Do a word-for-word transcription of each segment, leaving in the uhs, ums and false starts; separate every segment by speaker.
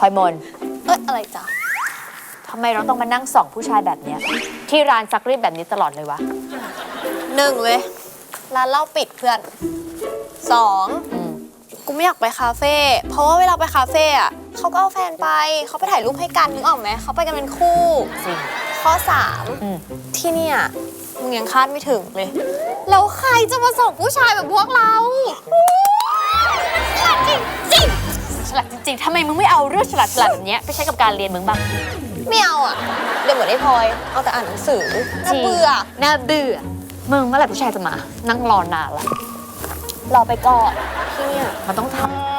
Speaker 1: ลอยมน
Speaker 2: เอ้ยอะไรจ๊ะ
Speaker 1: ทำไมเราต้องมานั่งส่องผู้ชายแบบเนี้ยที่ร้านซักรีดแบบนี้ตลอดเลยวะ
Speaker 2: หนึ่งเลยร้านเหล้าปิดเพื่อนสอง
Speaker 1: อืม
Speaker 2: กูไม่อยากไปคาเฟ่เพราะว่าเวลาไปคาเฟ่อะเขาก็เอาแฟนไปเขาไปถ่ายรูปให้กันนึกออกไหมเขาไปกันเป็นคู่
Speaker 1: จริง
Speaker 2: ข้อสาม
Speaker 1: อืม
Speaker 2: ที่เนี่ยมึงยังคาดไม่ถึงเลยแล้วใครจะมาส่งผู้ชายแบบพวกเราฉลาดจริงจริง
Speaker 1: ฉลาดจริงๆทำไมมึงไม่เอาเรื่องฉลาดฉลาดแบบเนี้ยไปใช้กับการเรียนมึงบ้าง
Speaker 2: ไม่เอาอะเดี๋ยวเหมือนไอ้พลอยเอาแต่อ่านหนังสือน่าเบื่อ
Speaker 1: น่าเบื่อมึงเมื่อไหร่ผู้ชายจะมา นั่งรอนานละรอไปก่อน
Speaker 2: ที่เนี่ย
Speaker 1: มันต้องท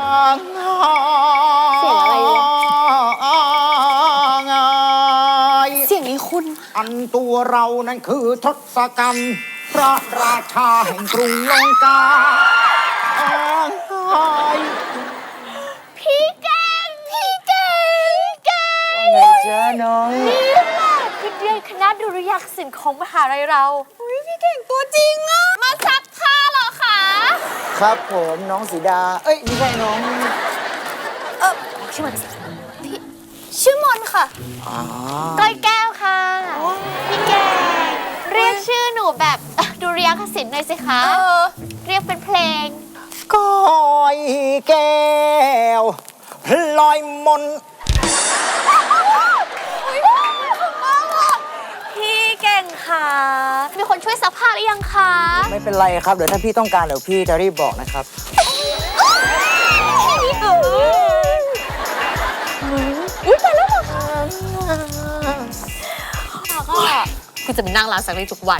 Speaker 2: เสียงอะไรวะ
Speaker 3: ไง
Speaker 2: เสียงนี้คุณ
Speaker 3: อันตัวเรานั้นคือทศกัณฐ์พระราชาแห่งกรุงลงกาอ้างไง
Speaker 1: พี่แกงพี่แกงแกง
Speaker 3: ไงจ๊ะน้อง
Speaker 1: นี่แหละคือเรียนคณะดุริยางคศิลป์ของมหาลัยเรา
Speaker 2: อุ้ยพี่เก่งตัวจริงอะมาซักผ้าเหรอคะ
Speaker 3: ครับผมน้องสีดา เอ้ยไม่ใช่น้อง
Speaker 2: เออ
Speaker 1: ชื่อมัน
Speaker 2: พี่ชื่อมอนค่ะ
Speaker 3: อ๋อ
Speaker 1: ก้อยแก้วค่ะ พี่แกงเรียกชื่อหนูแบบดุริยางคศิลป์หน่อยสิคะ
Speaker 2: เออ
Speaker 1: เรียกเป็นเพลง
Speaker 3: ก้อยแก้วพลอยมน
Speaker 1: พี่เก่งค่ะมีคนช่วยซักผ้าหรือยังคะ
Speaker 3: ไม่เป็นไรครับ เดี๋ยวถ้าพี่ต้องการเดี๋ยวพี่จะรีบบอกนะครับ
Speaker 1: อุ้ยแต่แล้วเหรอคะก็คุณจะมานั่งร้านซักรีดทุกวัน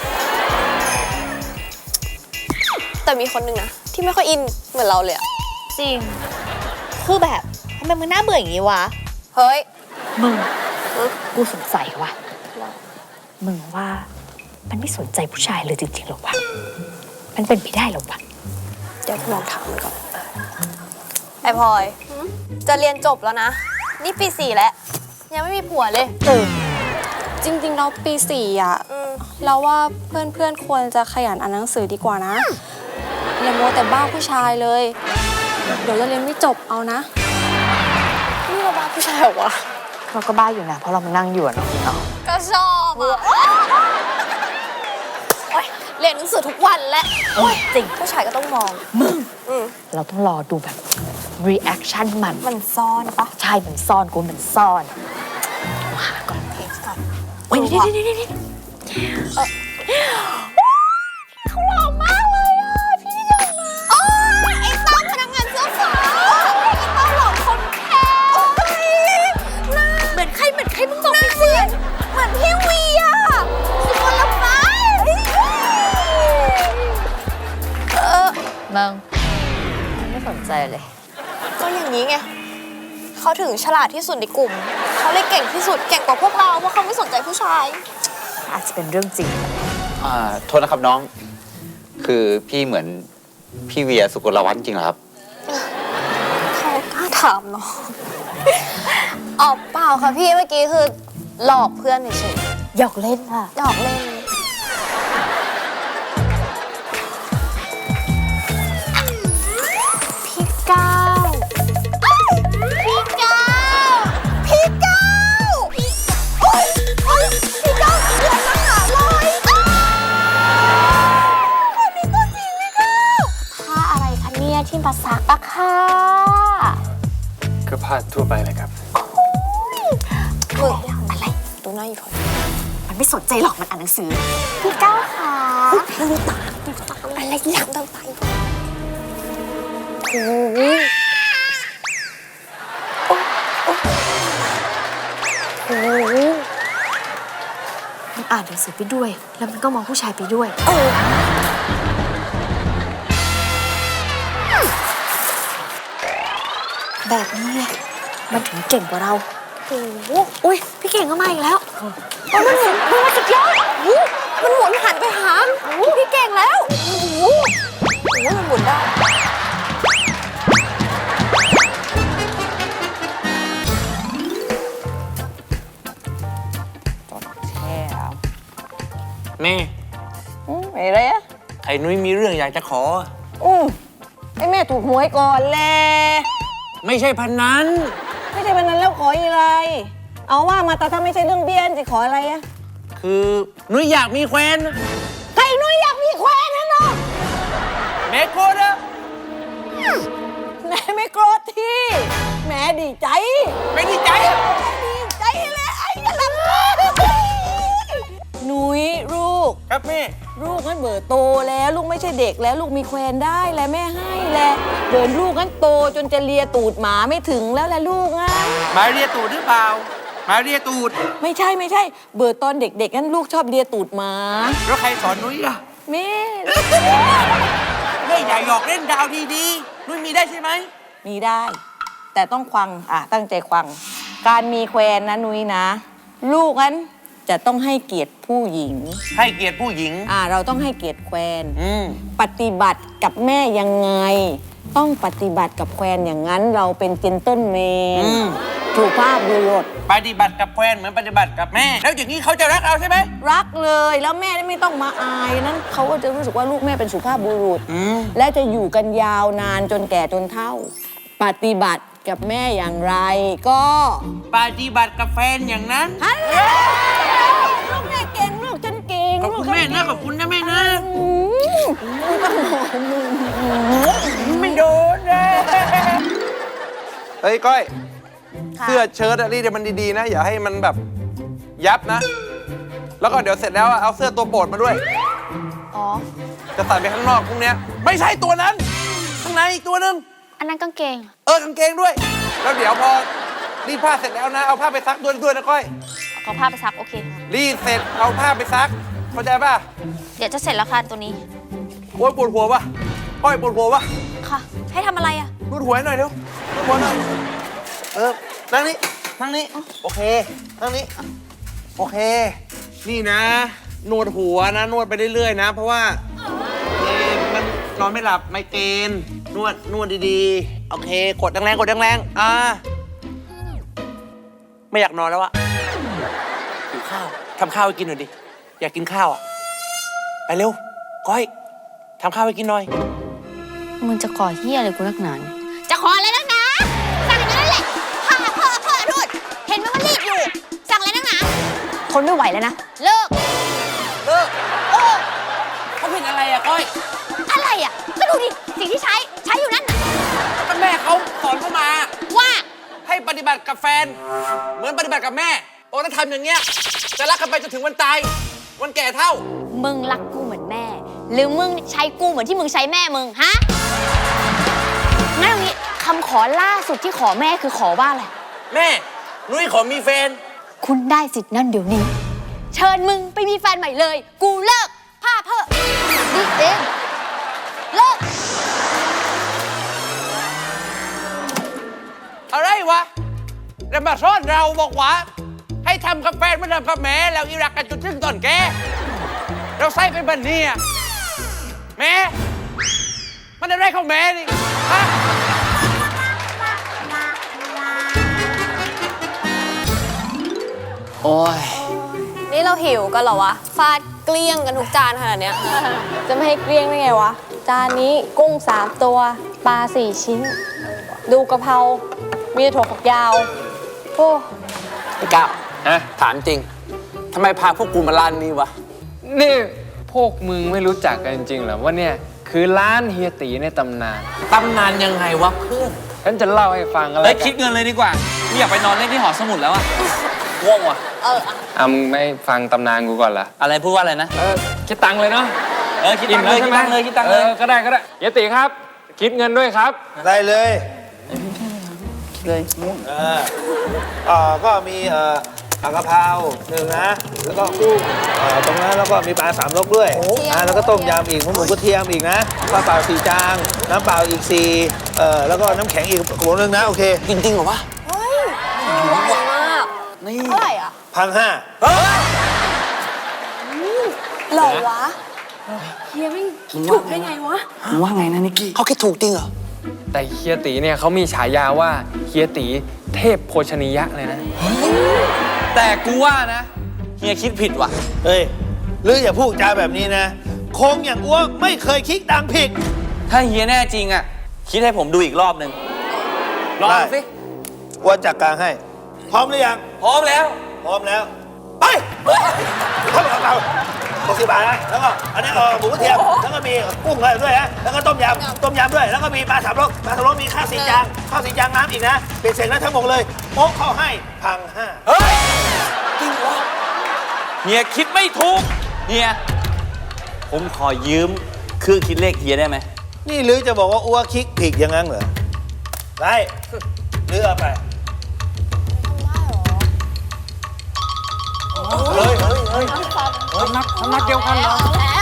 Speaker 2: แต่มีคนหนึ่งนะ ที่ไม่ค่อยอินเหมือนเราเลยอะ
Speaker 1: จริง คือแบบทำไมมึงน่าเบื่ออย่างนี้วะ
Speaker 2: เฮ้ย
Speaker 1: มึงกูสงสัยว่ะมึงว่ามันไม่สนใจผู้ชายเลยจริงๆหรอวะมันเป็นไปได้หรอวะ
Speaker 2: เดี๋ยวลองถามมันก่อนไอพลอย จะเรียนจบแล้วนะ นี่ปีสี่แล้ว ยังไม่มีผัวเลย
Speaker 1: เออ
Speaker 4: จริงๆเราปีสี่อ่ะ
Speaker 2: อืม
Speaker 4: เราว่าเพื่อนๆควรจะขยันอ่านหนังสือดีกว่านะอย่ามัวแต่บ้าผู้ชายเลย เดี๋ยวจะเรียนไม่จบเอานะ
Speaker 2: นี่เราบ้าผู้ชายเหรอวะ
Speaker 1: เราก็บ้าอยู่นะเพราะเรามานั่งอยู่อะเนาะเนาะ
Speaker 2: ก็ชอบอ่ะโอ๊ยเรียนหนังสือทุกวันและโอ๊ย
Speaker 1: จริง
Speaker 2: ผู้ชายก็ต้องมอง
Speaker 1: มึง
Speaker 2: อืม
Speaker 1: เราต้องรอดูแบบ reaction มัน
Speaker 2: มันซ่อนปะ
Speaker 1: ใช่มันซ่อนกูมันซ่อนกูหาก่อน
Speaker 2: เพจก่อน
Speaker 1: โอ้ยนี่นี่นี่นี่เออเขาหล่อมากเลยอ่ะพี่เดินมา
Speaker 2: โอ๊ยไอ้ตั้มพนักงานเสื้อฟ้าไอ้ตั้มหลอกคนแพ้โอ๊ยน่า
Speaker 1: เหมือนใครเหมือนใครมึงบอกไปสิ
Speaker 2: เหมือนพี่วีอ่ะสุวรรณฟ้าเออ
Speaker 1: มึงไม่สนใจเลย
Speaker 2: ก็อย่างนี้ไง เขาถึงฉลาดที่สุดในกลุ่ม เขาเลยเก่งที่สุด เก่งกว่าพวกเราเพราะเขาไม่สนใจผู้ชาย
Speaker 1: อาจจะเป็นเรื่องจริง
Speaker 5: อ่าโทษนะครับน้อง คือพี่เหมือนพี่เวียสุกลวัฒน์จริงเหรอครับ
Speaker 2: เขากล้าถามเนาะ อ๋อเปล่าค่ะพี่เมื่อกี้คือหลอกเพื่อนเฉย
Speaker 1: หยอกเล่นค่ะ
Speaker 2: ๆหยอกเล่น
Speaker 1: พี่ก้าว
Speaker 2: พี่ก้าวพี่ก้าวพี่โอ๊ยโอ๊ยพี่ก้าวเรียนมหาลัยอ้าวคนนี้ตัวจริงพี่ก้าว
Speaker 1: ผ้าอะไรคะเนี่ยที่มาซักอะค่ะ
Speaker 6: ก็ผ้าทั่วไปเลยครับ
Speaker 2: มึงอะไรดูหน้าอยู่พอ
Speaker 1: มันไม่สนใจหรอกมันอ่านหนังสือ พี่ก้าวค่ะ
Speaker 2: ดูตาดูตาอะไรหลังตามไปโอ้โห
Speaker 1: โอ้มันอ่านหนังสือไปด้วย แล้วมันก็มองผู้ชายไปด้วย
Speaker 2: เออ
Speaker 1: แบบนี้ไงมันถึงเก่งกว่าเรา
Speaker 2: โอ้โห
Speaker 1: อุ้ยพี่เก่งก็มาอีกแล้ว
Speaker 2: มันหมุนมันมาสุดยอดโอ้โหมันหมุนหันไปหาพี่เก่งแล้วโอ้โหโอ้โหมันหมุนได้
Speaker 1: แช่แล้ว
Speaker 6: แม่
Speaker 7: อะไรอ่ะ
Speaker 6: ไอ้นุ้ยมีเรื่องอยากจะขอ
Speaker 7: อืมไอ้แม่ถูกหวยก่อนแหละ
Speaker 6: ไม่ใช่พันนั้น
Speaker 7: ไม่ใช่วันนั้นแล้วขออะไร เอาว่ามาแต่ถ้าไม่ใช่เรื่องเบี้ยนจะขออะไรอะ
Speaker 6: คือนุ้ยอยากมีแควน
Speaker 7: ใครนุ้ยอยากมีแควนนะเนาะ
Speaker 6: แม่โกรธอะ
Speaker 7: แม่ไม่โกรธที่แม่ดีใจ
Speaker 6: ไม่ดีใจอะ
Speaker 7: ดีใจเลยไอ้กำลังหนุยลูก
Speaker 6: ครับแม่
Speaker 7: ลูกนั้นเบิดโตแล้วลูกไม่ใช่เด็กแล้วลูกมีแควนได้แล้วแม่ให้แล้วเดินลูกนั้นโตจนจะเลียตูดหมาไม่ถึงแล้วแหละลูกอ่ะ
Speaker 6: หมาเรียตูดหรือเปล่าหมาเรียตูด
Speaker 7: ไม่ใช่ไม่ใช่ เบิดตอนเด็กๆนั้นลูกชอบเลียตูดหมา
Speaker 6: แล้วใครสอนนุ้ยอะ
Speaker 7: แม่
Speaker 6: แม่อย่าหยอกเล่นดาวดีๆนุ้ยมีได้ใช่ไหม
Speaker 7: มีได้ แต่ต้องควังอ่ะตั้งใจควัง การมีแควนนะนุ้ยนะ ลูกนั้นจะต้องให้เกียรติผู้หญิง
Speaker 6: ให้เกียรติผู้หญิง
Speaker 7: อ่าเราต้องให้เกียรติแควน
Speaker 6: อืม
Speaker 7: ปฏิบัติกับแม่ยังไง ต้องปฏิบัติกับแควนอย่างนั้นเราเป็นเจนต้นเมน
Speaker 6: อืม
Speaker 7: ถูกภาพบุรุษ
Speaker 6: ปฏิบัติกับแควนเหมือนปฏิบัติกับแม่ แล้วอย่างนี้เขาจะรักเราใช่ไหม
Speaker 7: รักเลยแล้วแม่ไม่ต้องมาอายนั้นเขาก็จะรู้สึกว่าลูกแม่เป็นสุภาพบุรุษ
Speaker 6: อืม
Speaker 7: และจะอยู่กันยาวนานจนแก่จนเฒ่า ปฏิบัติกับแม่อย่างไรก็
Speaker 6: ปฏิบัติกับแฟนอย่างนั้น
Speaker 7: ฮัลโหลลูกแม่เก่งลูกฉันเก่ง
Speaker 6: ขอบคุณแม่นะขอบคุณนะแม่นะ
Speaker 7: อืมไม่ต้องห่วงมึง
Speaker 6: ไม่โดนเลย
Speaker 8: เฮ้ย ก้อย เสื้อเชิ้ตอะรีดให้มันดีๆนะ อย่าให้มันแบบยับนะ แล้วก็เดี๋ยวเสร็จแล้วอะเอาเสื้อตัวโปรดมาด้วย
Speaker 4: อ๋อ
Speaker 8: จะใส่ไปข้างนอกพรุ่งเนี้ยไม่ใช่ตัวนั้น ข้างในอีกตัวหนึง
Speaker 4: อันนั้นกางเกง
Speaker 8: เออกางเกงด้วย แล้วเดี๋ยวพอรีดผ้าเสร็จแล้วนะ เอาผ้าไปซักด้วยด้วยนะก้อย
Speaker 4: เอาผ้าไปซักโอเค
Speaker 8: รีดเสร็จเอาผ้าไปซัก เข้าใจป่ะ
Speaker 4: เดี๋ยวจะเสร็จแล้วค่ะตัวนี้
Speaker 8: โอ๊ยปวดหัวป่ะ ก้อยปวดหัวป่ะ
Speaker 4: ค่ะ ให้ทำอะไรอ่ะ
Speaker 8: นวดหัวให้หน่อยเร็วนวดหัวหน่อย เออ นั่งนี่นั่งนี่โอเค นั่งนี่โอเค นี่นะ นวดหัวนะ นวดไปเรื่อยๆนะ เพราะว่าเอ่อมันนอนไม่หลับไมเกรนนวด นวดดีๆ โอเค กดแรงๆ กดแรงๆ อ่า ไม่อยากนอนแล้วอะหิวข้าว ทำข้าวให้กินหน่อยดิ อยากกินข้าวอะไปเร็ว ก้อย ทำข้าวให้กินหน่อย
Speaker 4: มึงจะขอเฮียอะไรกูนักหนาเนี่ย
Speaker 2: จะขออะไรนักหนาสั่งอย่างนั้นแหละพ่อพ่อพ่อนู่นเห็นไหมว่ารีบอยู่ สั่งอะไรนักหนา
Speaker 4: คนไม่ไหวแล้วนะ
Speaker 2: เลิก
Speaker 8: เลิก
Speaker 2: โอ้
Speaker 6: เขาเป็นอะไรอะก้อย
Speaker 2: อะไรอ่ะ ก็ดูดิ สิ่งที่ใช้ ใช้อยู่นั่นน่ะ
Speaker 6: ก็แม่เขาสอนเข้ามา
Speaker 2: ว่า
Speaker 6: ให้ปฏิบัติกับแฟน เหมือนปฏิบัติกับแม่บอกถ้าทำอย่างเงี้ยจะรักกันไปจนถึงวันตาย วันแก่เท่า
Speaker 2: มึงรักกูเหมือนแม่ หรือมึงใช้กูเหมือนที่มึงใช้แม่มึง ฮะ งั้นเอางี้คำขอล่าสุดที่ขอแม่คือขอว่าอะไร
Speaker 6: แม่นุ้ยขอมีแฟน
Speaker 2: คุณได้สิทธิ์นั่นเดี๋ยวนี้ เชิญมึงไปมีแฟนใหม่เลย กูเลิกผ้าเพ้อดิเองเลิก
Speaker 6: อะไรวะแล้วมาซ่อนเราบอกว่า ให้ทำกับแฟนไม่ทำกับแม่แล้วอีรักกันจนถึงตอนแกเราใส่เป็นบันเนี่ยแม่มันอะไรของแม่นี่ฮะ
Speaker 5: โอ้ย
Speaker 4: นี่เราหิวกันเหรอวะ ฟาดเกลี้ยงกันทุกจานขนาดเนี้ย จะไม่ให้เกลี้ยงได้ไงวะ จานนี้กุ้งสามตัว ปลาสี่ชิ้น ดูกะเพรา มีแต่ถั่วฝักยาว โอ้
Speaker 6: ไอ้ก้าวฮะถามจริงทำไมพาพวกกูมาร้านนี้วะ
Speaker 9: นี่พวกมึงไม่รู้จักกันจริงๆเหรอว่าเนี่ยคือร้านเฮียตีในตำนาน
Speaker 6: ตำนานยังไงวะเพื่อน
Speaker 9: ฉันจะเล่าให้ฟังอะไร
Speaker 5: เฮ้ยคิดเงินเลยดีกว่าไม่อยากไปนอนเล่นที่หอสมุดแล้วอะง่วงว่ะ
Speaker 9: อ่ะมึงไม่ฟังตำนานกูก่อนล่ะ
Speaker 5: อะไรพูดว่าอะไรนะ
Speaker 9: เออคิดตังค์เลยเนาะ
Speaker 5: เออคิดตังค์เลย
Speaker 9: อิ่
Speaker 5: คิ
Speaker 9: ม
Speaker 5: ด
Speaker 9: แว
Speaker 5: ตังค์เลยคิดตังค์เลย
Speaker 9: ออก็ได้ก็ได้เฮียตีครับ คิดเงินด้วยครับ
Speaker 3: ได้เลย
Speaker 5: เลย
Speaker 3: เออเอ่อก็มีเอ่อผักกะเพราหนึ่งนะ แล้วก็กุ้งเอ่อตรงนั้นแล้วก็มีปลาสามรสด้วยอ่าแล้วก็ต้มยำอีกหมูหมูกระเทียมอีกนะปลาเปล่าสี่จานน้ำเปล่าอีกสี่เอ่อแล้วก็น้ำแข็งอีกขวดนึงนะโอเค
Speaker 6: จริงๆเหรอวะ
Speaker 5: นี่
Speaker 4: เท่าไหร่อ่ะ
Speaker 3: พันห้า
Speaker 4: หล่อวะ เฮียไม่ถูกได้ไงวะ
Speaker 6: ว่าไงนะนิกกี้เขาคิดถูกจริงเหรอ
Speaker 9: แต่เฮียตีเนี่ยเขามีฉายาว่าเฮียตีเทพโภชนียะเลยนะ
Speaker 5: แต่กูว่านะเฮียคิดผิดว่ะ
Speaker 3: เฮ้ยหรืออย่าพูดจาแบบนี้นะคงอย่างอ้วกไม่เคยคิดตังค์ผิด
Speaker 5: ถ้าเฮียแน่จริงอะคิดให้ผมดูอีกรอบหนึ่งลอง
Speaker 3: ได้
Speaker 5: สิ
Speaker 3: อ้วนจัดการให้ พร้อมหรือยัง
Speaker 6: พร้อมแล้ว
Speaker 3: พร้อมแล้ว ไปเข้าไปเราหกสิบบาทนะ แล้วก็อันนี้เออหมูกระเทียม แล้วก็มีกุ้งอะไรด้วยนะ แล้วก็ต้มยำ ต้มยำด้วย แล้วก็มีปลาสามรสปลาสามรสมีข้าวสีจาง ข้าวสีจางน้ำอีกนะ เป็นเสร็จแล้วทั้งหมดเลยโป๊ะเข้าให้พังห้า
Speaker 6: เฮ้ย จริงวะเฮียคิดไม่ถูก เฮีย ผมขอยืมเครื่องคิดเลขเฮียได้ไหม
Speaker 3: นี่หรือจะบอกว่าอ้วคิกผิกอย่างนั้นเหรอไปหรือเอาไป เฮ้ยเฮ้ยเฮ้ย
Speaker 9: น้ำหนักน้ำหนักเดียวกันเหรอ
Speaker 2: แล้ว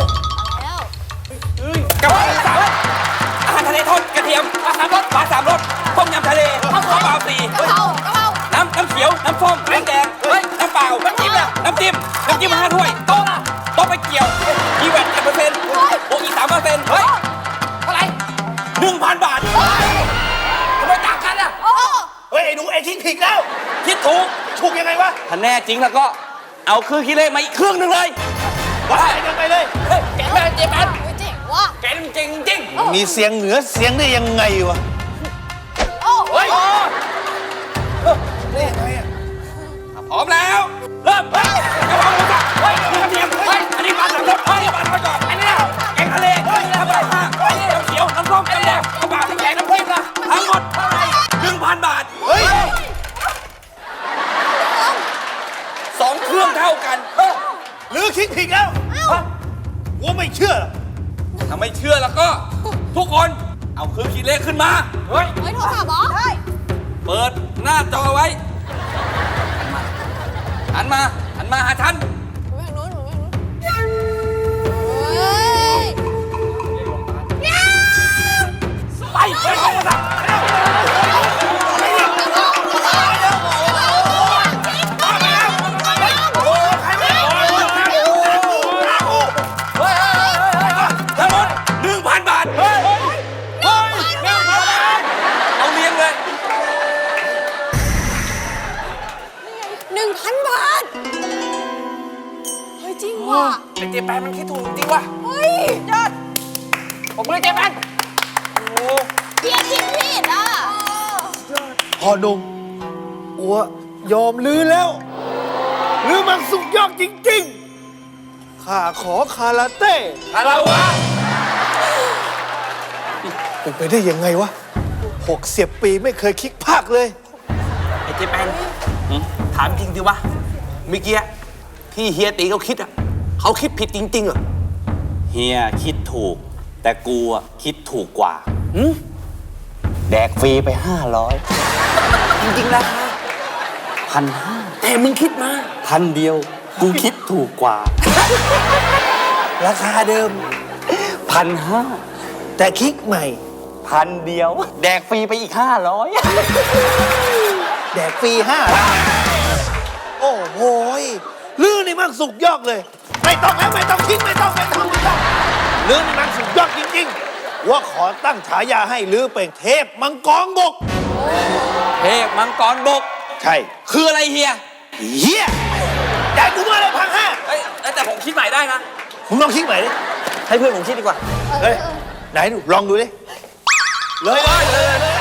Speaker 6: กะเพราสามอาหารทะเลทอดกระเทียมปลาสามรสปลาสามรสต้มยำทะเลข้าวซอยเปล่าสี่
Speaker 2: กะเพรากะเพรา
Speaker 6: น้ำน้ำเขียว น้ำส้มน้ำแดงเฮ้ยน้ำเปล่า น้ำจิ้มล่ะน้ำจิ้ม น้ำจิ้มมาห้าถ้วย โต๊ะล่ะโต๊ะไปเกี่ยวอีแวนเจ็ดเปอร์เซ็นต์โอ้อีสามเปอร์เซ็นต์เฮ้ย เท่าไหร่หนึ่งพันบาททำไมต่างกันอ่ะ
Speaker 3: เฮ้ยไอ้หนูไอ้คิกผิกแล้ว
Speaker 6: คิดถูก
Speaker 3: ถูกยังไงวะ
Speaker 6: ถ้าแน่จริงแล้วก็เอาเครื่องคิดเลขมาอีกเครื่องหนึ่งเลย
Speaker 3: ว่าไปกันไปเลย
Speaker 6: เฮ้ยแกแม่เจ๊แมน
Speaker 2: เจ๋งว่ะ
Speaker 6: แกนี่มันเก่งจริง
Speaker 3: มีเสียงเหนือเสียงได้ยังไงวะ
Speaker 2: โอ้
Speaker 6: เฮ้ยพร้อมแล้ว เริ่มเฮ้ยกระเพราหมูสับเฮ้ยกระเทียมเฮ้ยอันนี้ปลาสามรสเฮ้ยปลาทอดกรอบอันนี้นะแกงทะเลเฮ้ยน้ำปลาห้าเฮ้ยน้ำเขียวน้ำส้มน้ำแดงน้ำปลาน้ำแกงน้ำพริกนะทั้งหมดเท่าไหร่หนึ่งพันบาท
Speaker 3: เฮ้ย
Speaker 6: สองเครื่องเท่ากันเออ
Speaker 3: หรือคิกผิกแล้วกูไม่เชื่อหรอก
Speaker 6: ถ้าไม่เชื่อแล้วก็ ทุกคนเอาเครื่องคิดเลขขึ้นมาเฮ้ย
Speaker 2: เฮ้ยโทรศัพท์เหรอเฮ้ย
Speaker 6: เปิดหน้าจอไว้หันมาหันมาหาฉัน
Speaker 2: หนูไปทางนู้นหนูไปทางนู้นเฮ้ย
Speaker 6: ไปไปเอาโทรศัพท์ทั้งหมดหนึ่งพันบาทเฮ้ยเฮ้ยหนึ่งพันบาทเอาเลี้ยงเลย
Speaker 2: หนึ่งพันบาท เฮ้ยจริงว่ะ
Speaker 6: ไอ้เจแปนมันคิดถูกจริงว่ะ
Speaker 2: เฮ้ยยอด
Speaker 6: ผมเลยเจแปน
Speaker 2: เพียคิดผิดอ่ะ
Speaker 3: พ่อหนุ่มอัวยอมลือแล้วลือมันสุดยอดจริงๆข้าขอคาราเต้
Speaker 6: อะไรวะ
Speaker 3: เป็นไปได้ยังไงวะหกสิบปีไม่เคยคิกภาคเลย
Speaker 6: ไอ้เจแปนถามจริงดิวะเมื่อกี้ที่เฮียตีเขาคิดอ่ะเขาคิดผิดจริงๆเหรอ
Speaker 10: เฮียคิดถูก แต่กูอะคิดถูกกว่า
Speaker 6: หืม
Speaker 10: แดกฟรีไปห้าร้อย
Speaker 6: จริงๆราคา
Speaker 10: พันห้า
Speaker 6: แต่มึงคิดมา
Speaker 10: พันเดียว กูคิดถูกกว่า
Speaker 3: ราคาเดิม
Speaker 10: พันห้า
Speaker 3: แต่คิกใหม่
Speaker 10: พันเดียว แดกฟรีไปอีกห้าร้อย
Speaker 3: แดกฟรีห้าโอ้โหยลือนี่มันสุกยอดเลย ไม่ต้องแล้วไม่ต้องคิกไม่ต้องไม่ต้องไม่ต้องลือนี่มันสุกยอดจริงๆว่าขอตั้งฉายาให้ลือเป็นเทพมังกรบก
Speaker 6: เทพมังกรบก
Speaker 3: ใช่
Speaker 6: คืออะไรเฮีย
Speaker 3: เฮียได้กูมาเลยพังห้า
Speaker 6: เอ้ยแต่ผมคิดใหม่ได้นะ
Speaker 3: มึงลองคิกใหม่ดิ
Speaker 6: ให้เพื่อนผมคิดดีกว่า
Speaker 3: เฮ้ยไหนดูลองดูดิเลยเลยเลยเลย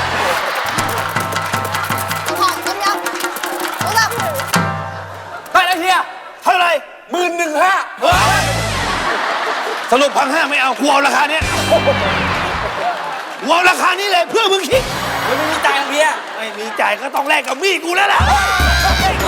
Speaker 2: กระเพราต้มยำโทรศัพท์
Speaker 6: ได้แล้วเฮีย
Speaker 3: เท่าไหร่
Speaker 6: หมื่นหนึ่งห้า
Speaker 3: เฮ้ยสรุปพังห้าไม่เอากูเอาราคาเนี้ยกูเอาราคานี้เลยเพื่อมึงคิด
Speaker 6: ไม่มีจ่ายเฮีย
Speaker 3: ไม่มีจ่ายก็ต้องแลกกับมีดกูแล้วล่ะ